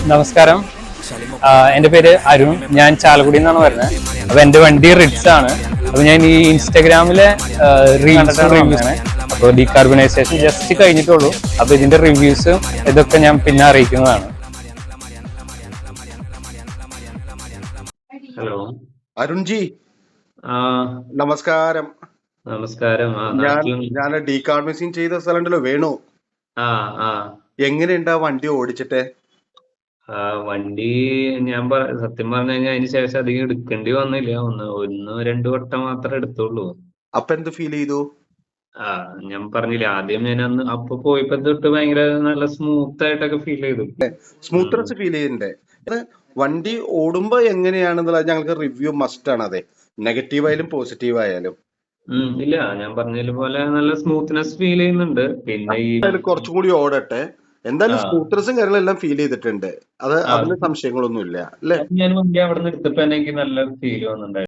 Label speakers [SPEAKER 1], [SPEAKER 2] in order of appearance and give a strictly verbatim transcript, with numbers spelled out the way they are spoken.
[SPEAKER 1] നമസ്കാരം. എൻ്റെ പേര് അരുൺ. ഞാൻ ചാലക്കുടി നിന്നാണ് വരുന്നത്. അപ്പോൾ എൻ്റെ വണ്ടി റിഡ്സ് ആണ്. അപ്പോൾ ഞാൻ ഈ ഇൻസ്റ്റഗ്രാമിലെ റീൽസ് റിവ്യൂസാണ്. അപ്പോൾ ഡീകാർബണൈസേഷൻ ജസ്റ്റ് കഴിഞ്ഞിട്ടുള്ളൂ. അപ്പോൾ ഇതിൻ്റെ റിവ്യൂസ് ഇതൊക്കെ ഞാൻ പിന്നെ അറിയിക്കുന്നതാണ്.
[SPEAKER 2] ഹലോ
[SPEAKER 3] അരുൺജി,
[SPEAKER 2] ആ
[SPEAKER 3] നമസ്കാരം.
[SPEAKER 2] നമസ്കാരം. ആ
[SPEAKER 3] ഞാൻ
[SPEAKER 2] നാട്ടിൽ
[SPEAKER 3] ഞാൻ ഡീകാർബണൈസിങ് ചെയ്ത സ്ഥലമുണ്ടല്ലോ, വേണു.
[SPEAKER 2] ആ ആ
[SPEAKER 3] എങ്ങനെയുണ്ട് ആ വണ്ടി ഓടിച്ചിട്ട്?
[SPEAKER 2] ആ വണ്ടി ഞാൻ പറ സത്യം പറഞ്ഞു കഴിഞ്ഞാൽ അതിന് ശേഷം അധികം എടുക്കേണ്ടി വന്നില്ല. ഒന്ന് ഒന്ന് രണ്ട് വട്ടം മാത്രമേ എടുത്തുള്ളൂ.
[SPEAKER 3] അപ്പൊ എന്ത് ഫീൽ ചെയ്തു?
[SPEAKER 2] ആ ഞാൻ പറഞ്ഞില്ലേ, ആദ്യം ഞാൻ അന്ന് അപ്പൊ പോയപ്പോ തൊട്ട് ഭയങ്കര നല്ല സ്മൂത്ത് ആയിട്ടൊക്കെ ഫീൽ ചെയ്തു. ഉം.
[SPEAKER 3] സ്മൂത്ത്നെസ് ഫീൽ ചെയ്യുന്നുണ്ട്. ഇത് വണ്ടി ഓടുമ്പോ എങ്ങനെയാണെന്നുള്ളത് ഞങ്ങൾക്ക് റിവ്യൂ മസ്റ്റ് ആണ്. അതെ, നെഗറ്റീവ് ആയാലും പോസിറ്റീവ് ആയാലും.
[SPEAKER 2] ഉം, ഇല്ല, ഞാൻ പറഞ്ഞ പോലെ നല്ല സ്മൂത്ത്നെസ് ഫീൽ ചെയ്യുന്നുണ്ട്. പിന്നെ ഈ
[SPEAKER 3] എന്തായാലും കുറച്ചും കൂടി ഓടട്ടെ. എന്തായാലും
[SPEAKER 2] ആ
[SPEAKER 3] സ്മൂത്ത്നെസ്സും കാര്യങ്ങളെല്ലാം ഫീൽ ചെയ്തിട്ടുണ്ട്. അത്
[SPEAKER 2] ആ
[SPEAKER 3] അതിന് സംശയങ്ങളൊന്നുമില്ല അല്ലേ?
[SPEAKER 2] ഞാൻ വണ്ടി അവിടെ നിന്ന് എടുത്തപ്പോ എനിക്ക് നല്ല ഫീൽ വന്നിട്ടുണ്ടായിരുന്നു.